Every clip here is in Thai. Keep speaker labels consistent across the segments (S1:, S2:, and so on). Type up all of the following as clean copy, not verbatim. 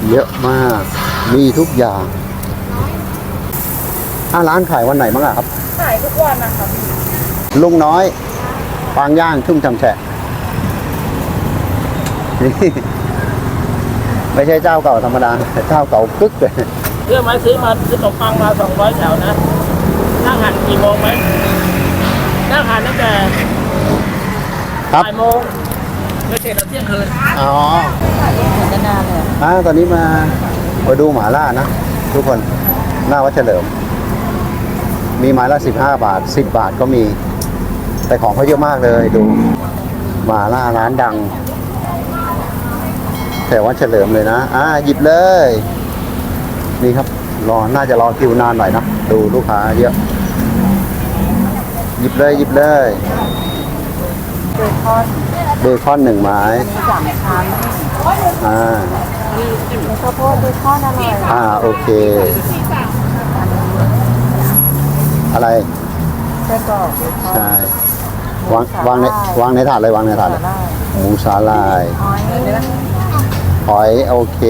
S1: เยอะมากมีทุกอย่างร้านขายวันไหนบ้างครับ
S2: ขายทุกวันนะคะพี่
S1: ลุงน้อยปางย่างชุ่มฉ่ำแฉะนี่ไม่ใช่เจ้าเก่าธรรมดาเจ้าเก่ากึกเลย
S2: เรื่องไม้ซื้อมาซื้อขนมปังมา200แถวนะนั่งหันกี่โมงไหมนั่งหันตั้งแต่บ่ายโมงไม่เสร็จแล้วเที่ยงคืน
S1: อ๋อ
S2: จะนานเลย
S1: ตอนนี้มาดูหม่าล่านะทุกคนหน้าวัดเฉลิมมีไม้ละ15 บาท10 บาทก็มีแต่ของเขาเยอะมากเลยดูหม่าล่าร้านดังแถววัดเฉลิมเลยนะหยิบเลยนี่ครับน่าจะรอคิวนานหน่อยนะดูลูกค้าเยอะหยิบเลยเบคอน1 ไม้
S2: 3 ชั้นมีข้าวโพดเบคอนอร่อย
S1: โอเคอะไร
S2: ไส้กรอก
S1: ใช่วางในถาดเลยวางในถาดเลยหมูสาลายหอยโอเค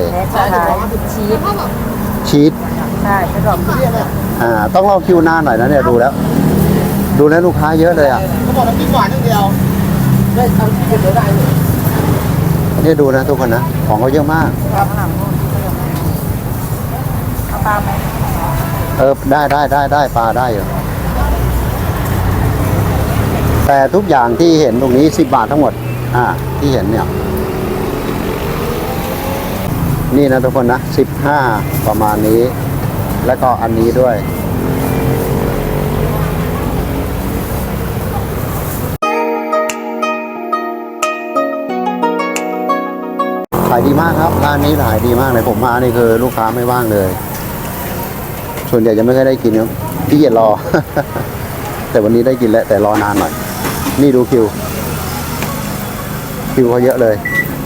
S1: ชีส
S2: ใช่ไส้กรอก
S1: ต้องรอคิวนานหน่อยนะเนี่ยดูแล้วลูกค้าเยอะเลย
S2: เขาบอกน้ำพริกหวานอย่างเดียวได้ทำกินได้เลย
S1: เนี่ยดูนะทุกคนนะของเขาเยอะมาก
S2: ครับเอาปลาไหม
S1: ได้ปลาได้อยู่แต่ทุกอย่างที่เห็นตรงนี้10 บาททั้งหมดที่เห็นเนี่ยนี่นะทุกคนนะ15ประมาณนี้แล้วก็อันนี้ด้วยขายดีมากครับร้านนี้ขายดีมากเลยผมมานี่คือลูกค้าไม่ว่างเลยส่วนใหญ่จะไม่ค่อยได้กินครับที่เกียจรอ แต่วันนี้ได้กินแล้วแต่รอนานหน่อยนี่ดูคิวเขาเยอะเลย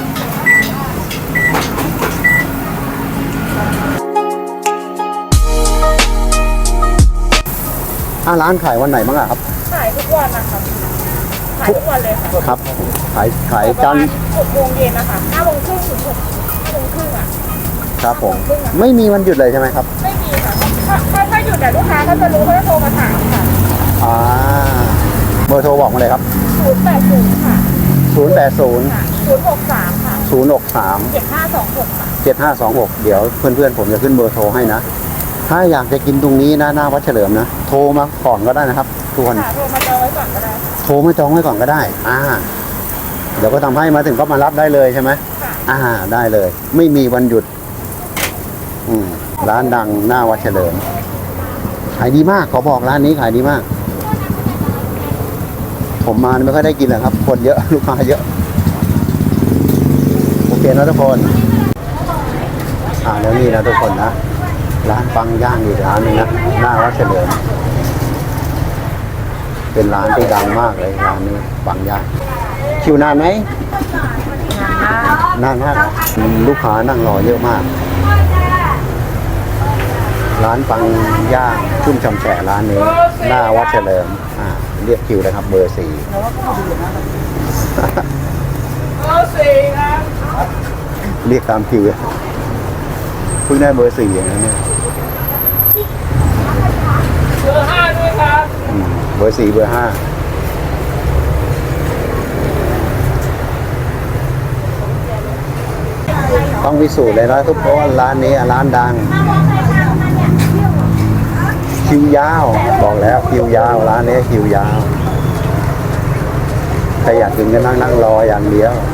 S1: ร้านขายวันไหนบ้างครับ
S2: ขายทุกวันนะคะขายทุกวันเลยค่ะ
S1: ครับขายจันทร์
S2: 6 โมงเย็นนะคะ5 โมงครึ่งถึง5 โมงครึ่ง
S1: ครับผมไม่มีวันหยุดเลยใช่ไหมครับ
S2: ไม่มีค่ะถ้าหยุดแต่ลูกค้าก็จะรู้เขาจะโทรมาถามค่ะ
S1: เบอร์โทรบอกมาเลยครับ
S2: 080ค่ะ
S1: 063ค่ะ
S2: 7526ค่ะ
S1: 7526เดี๋ยวเพื่อนๆผมจะขึ้นเบอร์โทรให้นะถ้าอยากจะกินตรงนี้นะหน้าวัดเฉลิมนะโทรมาก่อนก็ได้นะครับทุกคน
S2: โทรมาจองไว้ก่อนก็ได้
S1: เดี๋ยวก็ทำให้มาถึงก็มารับได้เลยใช่ไหมได้เลยไม่มีวันหยุดร้านดังหน้าวัดเฉลิมขายดีมากขอบอกร้านนี้ขายดีมากผมมาไม่ค่อยได้กินหรอกครับคนเยอะลูกค้าเยอะโอเคนะทุกคนแล้วนี่นะทุกคนนะร้านปังย่างอีกร้านนึงนะหน้าวัดเฉลิมเป็นร้านที่ดังมากเลยร้านนี้ปังย่างคิวนานไหมนานมากลูกค้านั่งรอเยอะมากร้านปังย่างชุ่มฉ่ำแฉะร้านนี้หน้าวัดเฉลิมเรียกคิวเลยครับเบอร์ 4เรียกตามคิวเพิ่งได้เบอร์ 4อย่างนี้
S2: เบอร์ 5ด้วยครับ
S1: เบอร์ 4เบอร์ 5ต้องพิสูจน์เลยนะทุกคนร้านนี้ร้านดังคิวยาวบอกแล้วคิวยาวร้านนี้คิวยาวใครอยากกินก็นั่งรออย่างเดียว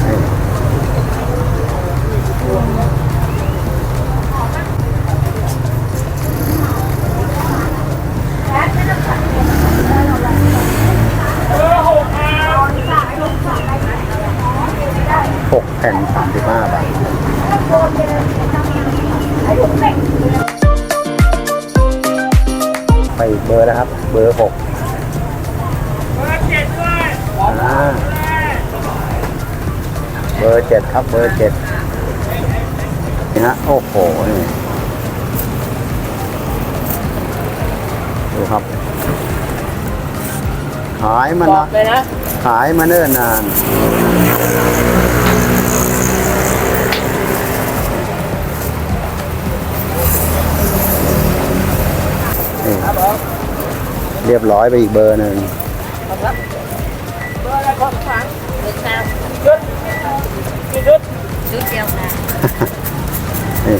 S1: 6 แผ่น35 บาทไปเบอร์นะครับเบอร์ 6
S2: เบอร์ 7ด้วย
S1: เบอร์ 7ครับเบอร์ 7นี่ฮะโอ้โหนี่ดูครับขายมันนะขายมาเนิ่นนานเรียบร้อยไปอีกเบอร์หนึ่ง
S2: ครับเบอร์อะไรของฝังเบอร์แซวชุดกี่ชุดชุดเดียวค่ะ
S1: นี่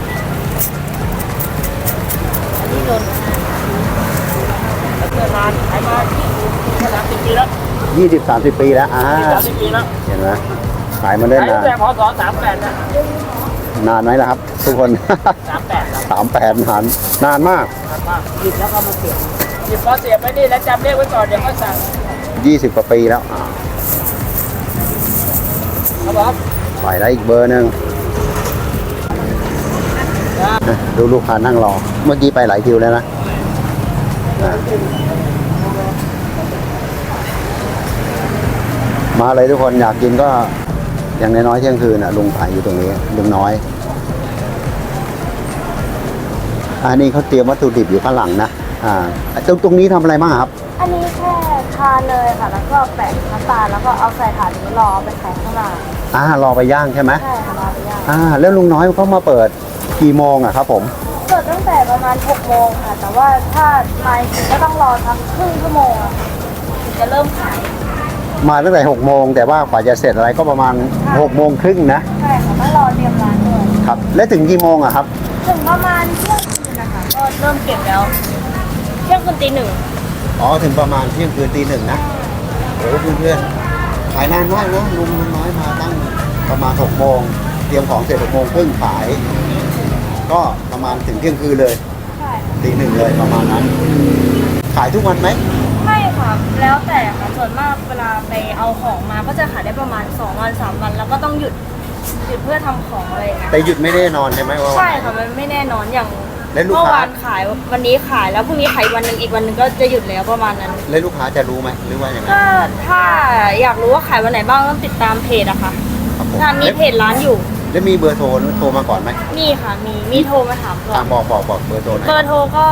S2: อันนี้โดนเกิดมาขายมา30 ปีแล้ว
S1: 20-30 ปีแล้ว
S2: 30 ปีแล้ว
S1: เห็นไหมขายมาเล่น
S2: ขาย
S1: นา
S2: ตั้
S1: น
S2: งแต่พศ38นะ
S1: นานไหมล่ะครับ ทุกคน
S2: 38
S1: 38นานมาก
S2: หยิบแล้วก็มาเสียบหยิบพอเสียบไปนี่แล้วจำเลขไว้ก่อนเดี๋ยวก็สั่ง
S1: 20 กว่าปีแล้ว
S2: ครับผม
S1: ไปได้อีกเบอร์หนึ่งดูลูกค้านั่งรอ เมื่อกี้ไปหลายคิวแล้วนะมาเลยทุกคนอยากกินก็อย่างน้อยๆเที่ยงคืนลุงขายอยู่ตรงนี้ลุงน้อย อันนี้เขาเตรียมวัตถุดิบอยู่ข้างหลังนะตรงนี้ทำอะไรบ้างครับ
S3: อันนี้แค่ทาเลยค่ะ แล้วก็แปะน้ำตาลแล้วก็เอาใส่ถาดนี้รอเอาไปขายข้างหน้าร
S1: อไปย่างใช่ไหม
S3: ใช่ค่ะรอไปย่าง
S1: แล้วลุงน้อยเขามาเปิดกี่โมงอะครับผม
S3: เปิดตั้งแต่ประมาณ6 โมงค่ะ แต่ว่าถ้ามาจริงก็ต้องรอทำครึ่งชั่วโมงอะถึงจะเริ่มขาย
S1: มาตั้งแต่6 โมงแต่ว่ากว่าจะเสร็จอะไรก็ประมาณ6 โมงครึ่งนะ
S3: ใช่ค่ะต้องรอเตรียมร้านด้วย
S1: ครับ และถึงกี่โมงอะครับ
S3: ถึงประมาณเที่ยงคืนนะคะก็เริ่มเก็บแล้วเที่ยงคืนตี 1
S1: อ๋อถึงประมาณเที่ยงคืนตี 1นะโอ้เพื่อนๆขายนานมากนะลุงน้อยมาตั้งประมาณ6 โมงเตรียมของเสร็จ6 โมงครึ่งขาย ก็ประมาณถึงเที่ยงคืนเลย
S3: ใช่
S1: ตี 1เลยประมาณนั้น ขายทุกวันไหม
S3: ไม่ค่ะแล้วแต่ค่ะส่วนมากเวลาไปเอาของมาก็จะขายได้ประมาณ2 วัน 3 วันแล้วก็ต้องหยุดเพื่อทำของอะไรอย่างเงี้ย
S1: แต่หยุดไม่แน่นอนใช่ไหมว่าวัน
S3: ใช่
S1: ไหน
S3: ค่ะมันไม่แน่นอนอย่าง
S1: และลูก
S3: เมื่อ
S1: ค้า
S3: วานขายวันนี้ขายแล้วพรุ่งนี้ขายวันหนึ่งอีกวันหนึ่งก็จะหยุดแล้วประมาณนั้น
S1: แล้วลูกค้าจะรู้ไหมหรือว่าอย่างไร
S3: ก็ถ้าอยากรู้ว่าขายวันไหนบ้างต้องติดตามเพจอะค่ะ
S1: ครับผม
S3: ถ้ามีเพจร้านอยู่
S1: แล้วมีเบอร์โทรมาก่อนไหม
S3: มีค่ะมีโทรมาถามก่อน
S1: บอกเบอร์โทรหน่อย
S3: เบอร์โทรก็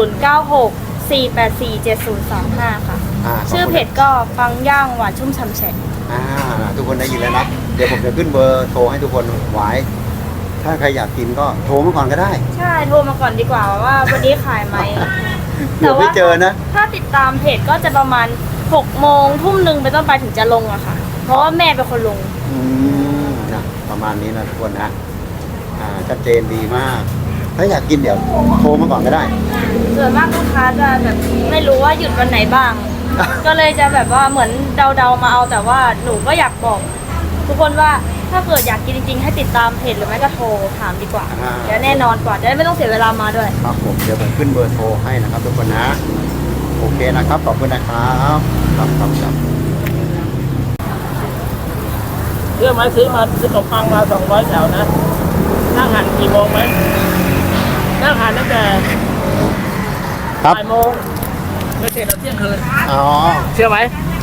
S3: 0964847035ค่ะ
S1: ขบคุณ
S3: ชื่อเพจก็ปังย่างหวานชุ่มฉ่ำแฉะ
S1: ทุกคนได้ยินแล้วนะ เดี๋ยวผมจะขึ้นเบอร์โทรให้ทุกคนไว้ ถ้าใครอยากกินก็โทรมาก่อนก็ได้
S3: ใช่โทรมาก่อนดีกว่าว่าวันนี้ขายไหม
S1: เดี๋ยวไม่เจอนะ
S3: ถ้าติดตามเพจก็จะประมาณ6 โมงทุ่มหนึ่งไปต้นไปถึงจะลงอะค่ะ เพราะว่าแม่เป็นคนลง
S1: นะประมาณนี้นะทุกคนนะชัดเจนดีมาก ถ้าอยากกินเดี๋ยวโทรมาก่อนก็ได้
S3: ส่วนมากลูกค้าจะแบบไม่รู้ว่าหยุดวันไหนบ้าง ก็เลยจะแบบว่าเหมือนเดาๆมาเอาแต่ว่าหนูก็อยากบอกทุกคนว่าถ้าเกิดอยากกินจริงๆให้ติดตามเพจหรือไม่ก็โทรถามดีกว่า
S1: อ่า
S3: เดี๋ยวแน่นอนกว่าจะได้ไม่ต้องเสียเวลามาด้วย
S1: ครับผมเดี๋ยวผมขึ้นเบอร์โทรให้นะครับทุกคนนะ โอเคนะครับขอบคุณนะครับครับ
S2: เรื่องไม้ซื้อมาซื้อขนมปังมา200 แถวนะนั่งหันกี่โมงไหมนั่งหันตั้งแต่
S1: ครับ
S2: บ่ายโมงไม่เสร็จเราเที่ยงคืน
S1: อ๋อ
S2: เชื่อไหม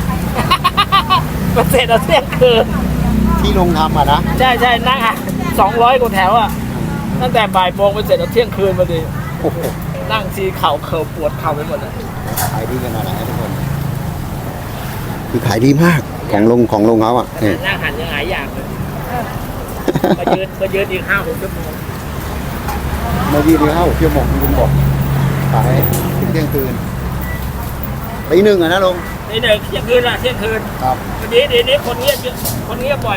S2: ไม่เสร็จเราเที่ยงคืน
S1: ที่ลุงทำนะ
S2: ใช่นั่งหัน200 กว่าแถวอ่ะตั้งแต่บ่ายโมงไปเสร็จเราเที่ยงคืนพอดี
S1: โอ้โห
S2: นั่งทีเข่าเคิร์ปวดเข่าไปหมดเลย
S1: ขายดีขนาดไหนทุกคนคือขายดีมากของลุงเขาอ่ะนี่
S2: นั่งหันยังหลายอย่างเลยมายืนอีก5-6 ชั่วโมง
S1: มายืนดีเข้าชั่วโมงลุงบอกขายถึงเที่ยงคืนตี 1อะนะลุง
S2: นี่เที่ยงคืนละเที่ยงคืน
S1: ครับ
S2: วันนี้เดี๋ยวนี้คนเงียบเยอะคนเงียบบ่อย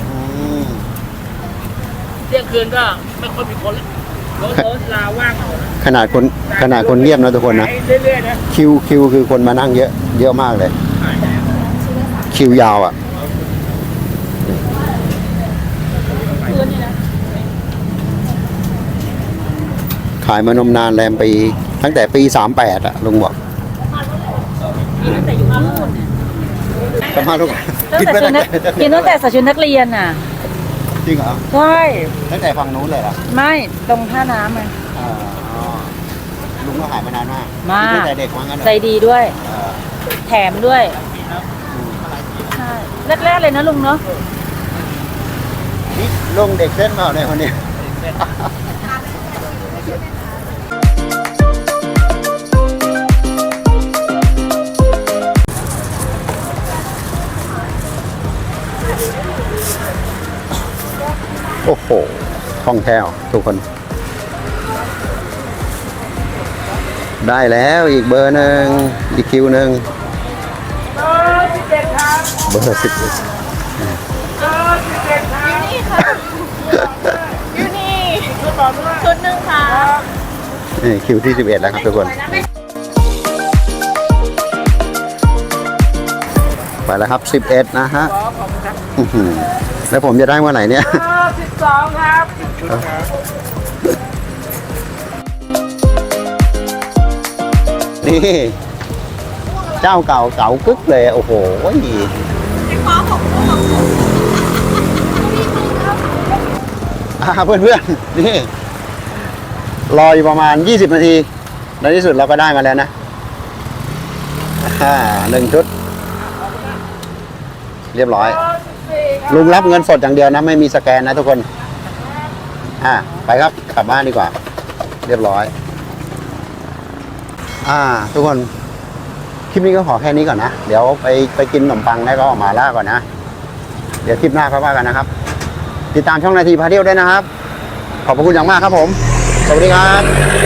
S2: เที่ยงคืนก็ไม่ค่อยมีคนแล้วรถลาว่างเอานะ
S1: ขนาดคนเงียบนะทุกคนนะ
S2: เรื่อยๆนะ
S1: คิวคือคนมานั่งเยอะมากเลย คิวยาวอ่ะ ขายมานมนานแรมปีตั้งแต่ปี38อ่ะลุงบอก
S3: ตั้งแต่อยู่นู่น
S1: ประมาณทุก
S3: ตั้งแต่ชุดนักกินตั้งแต่ใส่ชุดนักเรียนน่ะ
S1: จริงเหรอ
S3: ใช่
S1: ตั้งแต่ฝั่งนู้นเลยเหรอ
S3: ไม่ตรงท่าน้ำอ่ะ
S1: อ๋อลุงก็ขายมานานมาก
S3: มาก
S1: ตั้งแต่เด็กว่างั้นเหรอ
S3: ใจดีด้วย
S1: เออ
S3: แถมด้วยใช่แรกๆเลยนะลุงเนาะ
S1: นี่ลุงเด็กเส้นเปล่าเนี่ยคนนี้ โอ้โหคล่องแคล่วทุกคนได้แล้วอีกเบอร์หนึ่งอีกคิวหนึ่ง
S2: 11ครับ
S1: เบอร์11
S2: 11ครับ
S3: นี่ค่ะอยู่นี่
S2: ชุดต่อด้วย
S3: ชุดหนึ่งค่ะ
S1: นี่คิวที่ 11 แล้วครับทุกคน ไปแล้วครับ 11 นะฮะ
S2: ขอบคุณครับ
S1: อื้อหือแล้วผมจะได้เมื่อไหร่เนี่ย
S2: 12ครับ
S1: นี่ เจ้าเก่าเก่ากึกเลย โอ้โหเพื่อนๆ นี่ รออยู่ประมาณ 20 นาที ในที่สุดเราก็ได้มาแล้วนะ1 ชุด เรียบร้อย ลุงรับเงินสดอย่างเดียวนะ ไม่มีสแกนนะทุกคน ไปครับกลับบ้านดีกว่า เรียบร้อย ทุกคน คลิปนี้ก็ขอแค่นี้ก่อนนะ เดี๋ยวไปกินขนมปังแล้วก็ออกมาล่าก่อนนะ เดี๋ยวคลิปหน้าค่อยว่ากันนะครับ ติดตามช่องนาทีพาเที่ยวด้วยนะครับ ขอบพระคุณอย่างมากครับผม สวัสดีครับ